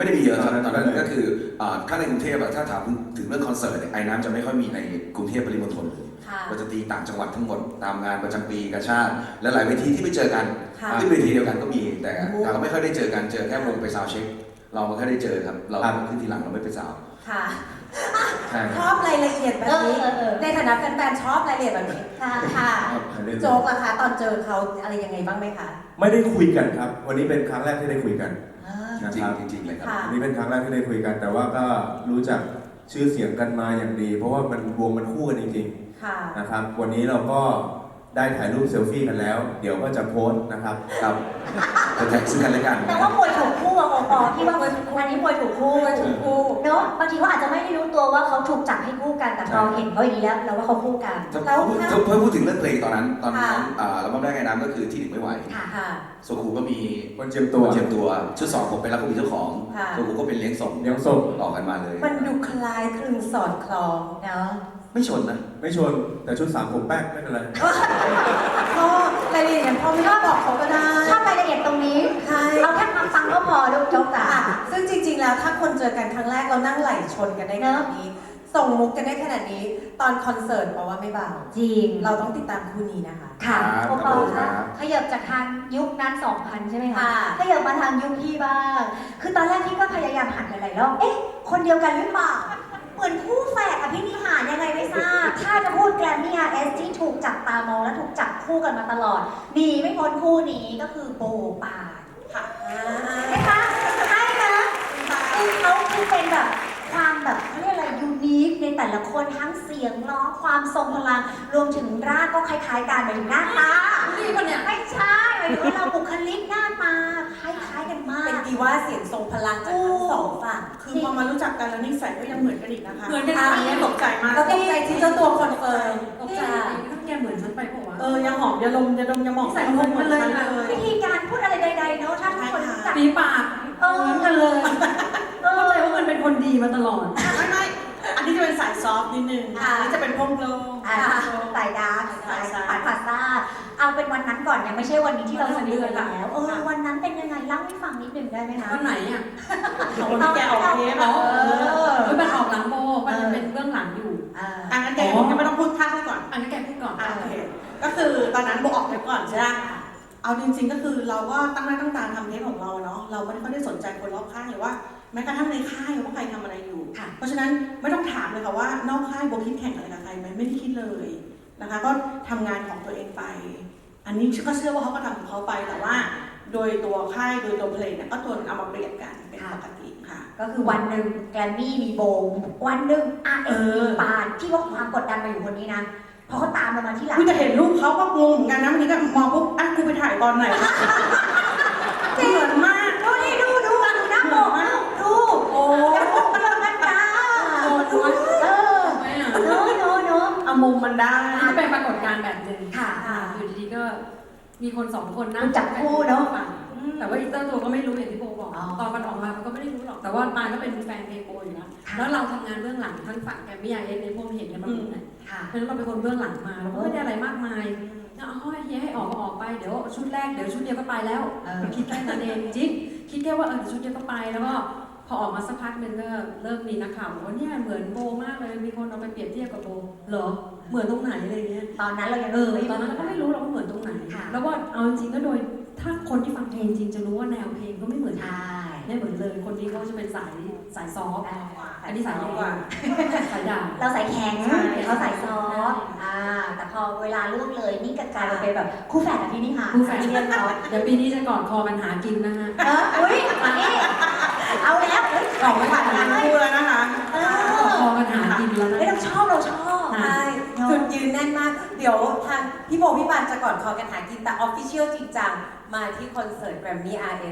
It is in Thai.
ไม่ได้มีเยอะครับตอนนั้นก็คือถ้าในกรุงเทพถ้าถามถึงเรื่องคอนเสิร์ตไอ้น้ำจะไม่ค่อยมีในกรุงเทพปริมณฑลเลยก็จะตีต่างจังหวัดทั้งหมดตามงานประจำปีกาชาติและหลายเวทีที่ไปเจอกันขึ้นเวทีเดียวกันก็มีแต่เราไม่ค่อยได้เจอกันเจอแค่วงไปซาวเช็คเราไม่ค่อยได้เจอครับเราขึ้นทีหลังเราไม่ไปซาวค่ะชอบรายละเอียดแบบนี้ในฐานะแฟนๆชอบรายละเอียดแบบนี้ค่ะโจ๊กล่ะคะตอนเจอเขาอะไรยังไงบ้างไหมคะไม่ได้คุยกันครับวันนี้เป็นครั้งแรกที่ได้คุยกันนะครับจริงๆเลยครับวันนี้เป็นครั้งแรกที่ได้คุยกันแต่ว่าก็รู้จักชื่อเสียงกันมาอย่างดีเพราะว่ามันวงมันคู่กันจริงๆนะครับวันนี้เราก็ได้ถ่ายรูปเซลฟี่กันแล้วเดี๋ยวก็จะโพสต์นะครับครับจะแท็กซึ่งกันและกันแต่ว่าป่วยถูกคู่อะโอปอที่ว่าวันนี้ป่วยถูกคู่เนาะบางทีเขาอาจจะไม่ได้รู้ตัวว่าเขาถูกจับให้คู่กันแต่พอเห็นเขาอย่างนี้แล้วเราว่าเขาคู่กันแล้วเพิ่งพูดถึงเรื่องเพลงตอนนั้นเราบ้าได้ไงน้ำก็คือที่หนึ่งไม่ไหวโซคูก็มีคนเจียมตัวชุดสองผมเป็นรักคุณเจ้าของโซคูก็เป็นเลี้ยงส่งต่อกันมาเลยมันดูคล้ายคลึงสอดคล้องเนาะไม่ชนนะไม่ชนแต่ชุด3ผมแป๊กไม่เป็นไรก็รายละเอียดพอไม่ต้องบอกเขาก็ได้ชอบรายละเอียดตรงนี้เอาแค่ความฟังก็พอลูกโจ๊กจ๋าซึ่งจริงๆแล้วถ้าคนเจอกันครั้งแรกเรานั่งไหลชนกันได้ขนาดนี้ส่งมุกกันได้ขนาดนี้ตอนคอนเสิร์ตเพราะว่าไม่เบาจริงเราต้องติดตามคู่นี้นะคะค่ะโอปอค่ะขยับจากทางยุคนั้น2000ใช่ไหมคะขยับมาทางยุคพี่บ้างคือตอนแรกพี่ก็พยายามหันหลายๆรอบเอ๊ะคนเดียวกันหรือเปล่าเหมือนคู่แฝดอภินิหารยังไงไม่ทราบถ้าจะพูดแกรมมี่ RS ที่ถูกจับตามองและถูกจับคู่กันมาตลอดหนีไม่พ้นคู่นี้ก็คือโบปานค่ะนะคะใช่นะคือเขาคือเป็นแบบความแบบเขาเรียกอะไรยูนิคในแต่ละคนทั้งเสียงร้องความทรงพลังรวมถึงร่างก็คล้ายๆกันหมายถึงหน้าตานี่คนเนี่ยไม่ใช่หมายถึงว่าเราบุคลิกหน้าตาคล้ายๆกันมากเป็นดีว่าเสียงทรงพลังจากทั้งสองฝั่งคือพอมารู้จักกันแล้วนิสัยก็ยังเหมือนกันอีกนะคะเหมือนกันอันนี้ตกใจมากก็ตกใจที่เจ้าตัวคอนเฟิร์มตกใจถ้าแกเหมือนฉันไปบอกว่ายังหอมยาลมยาดมยาหมองใส่เหมือนกันเลยวิธีการพูดอะไรใดๆเนาะถ้าทุกคนรู้จักปีปากเหมือนกันเลยเข้าใจว่ามันเป็นคนดีมาตลอดไม่อันนี้จะเป็นสายซอฟต์นิดนึงอันนี้จะเป็นพวกโลสายดาร์กสายพาสต้าเอาเป็นวันนั้นก่อนยังไม่ใช่วันนี้ที่เราสนิทกันแล้ววันนั้นเป็นยังไงเล่าให้ฟังนิดนึงได้ไหมคะวันไหนอ่ะวันที่แกออกเทปมันออกหลังโบมันเป็นเบื้องหลังอยู่อันนั้นแกผมยังไม่ต้องพูดท่าให้ก่อนอันนั้นแกพูดก่อนโอเคก็คือตอนนั้นโบออกเทปก่อนใช่ไหมเอาจริงๆก็คือเราก็ตั้งหน้าตั้งตาทำเทปของเราเนาะเราไม่ได้สนใจคนรอบข้างหรือว่าแม้กระทั่งในค่ายว่าใครทำอะไรอยู่เพราะฉะนั้นไม่ต้องถามเลยค่ะว่านอกค่ายโบคิดแข่งอะไรกับใครไหมไม่ได้คิดเลยนะคะก็ทำงานของตัวเองไปอันนี้ก็เชื่อว่าเขาก็ทำของเขาไปแต่ว่าโดยตัวค่ายโดยตัวเพลงเนี่ยก็ตัวเอามาเปรียบกันเป็นปกติค่ะก็คือวันหนึ่งแกรมมี่มีโบวันหนึ่งมีปานที่ว่าความกดดันมาอยู่คนนี้นะพอเขาตามเรามาที่หลังคุณจะเห็นรูปเขาก็งงเหมือนกันนะวันนี้ก็มองปุ๊บกูไปถ่ายตอนไหนเหมือนมากดูหน้าโบดูโอ้เรื่องมันจ้าเอามุมมันได้เป็นปรากฏการณ์แบบหนึ่งค่ะอยู่ดีๆก็มีคน2 คนนั่งจับคู่เนาะแต่ว่าอีเตอร์ตัวก็ไม่รู้อย่างที่โบบอกตอนมันออกมามันก็ไม่ได้รู้หรอกแต่ว่าปานก็เป็นแฟนเพลงโบอยู่แล้วเราทำงานเบื้องหลังทั้งฝั่งแกรมมี่ในพวกเห็นกันมาหมดเลยเพราะฉะนั้นเราเป็นคนเบื้องหลังมาเราก็ไม่ได้อะไรมากมายเฮียให้ออกไปเดี๋ยวชุดแรกเดี๋ยวชุดเดียวก็ไปแล้วคิดแค่นั้นเองจริงคิดแค่ว่าชุดเดียวก็ไปแล้วก็พอออกมาสักพักนึงก็เริ่มมีนักข่าวบอกว่าเนี่ยเหมือนโบมากเลยมีคนเอาไปเปรียบเทียบกับโบเหรอเหมือนตรงไหนอะไรเงี้ยตอนนั้นเรายังตอนนั้นก็ไม่รู้เราเหมือนตรงไหนแล้วว่าเอาจริงก็โดยถ้าคนที่ฟังเพลงจริงจะรู้ว่าแนวเพลงก็ไม่เหมือนไม่เหมือนเลยคนนี้เขาจะเป็นสายซอฟต์อันนี้สายกว่าสายด่าเราสายแข็งเขาสายซอฟต์แต่พอเวลาล่วงเลยนี่กลายเป็นแบบคู่แฝดแบบนี้นี่ค่ะคู่แฝดเรียนเราเดี๋ยวปีนี้จะกอดคอกันหากินนะฮะอุ้ยนี่เอาแล้วออกไปผ่านงานคู่แล้วนะคะกอดคอกันหากินแล้วนะเราชอบใช่จุดยืนแน่นมากเดี๋ยวทางพี่โบพี่ปานจะก่อนคอกันหากินแต่ออฟฟิเชียลจริงจังมาที่คอนเสิร์ต Grammy RS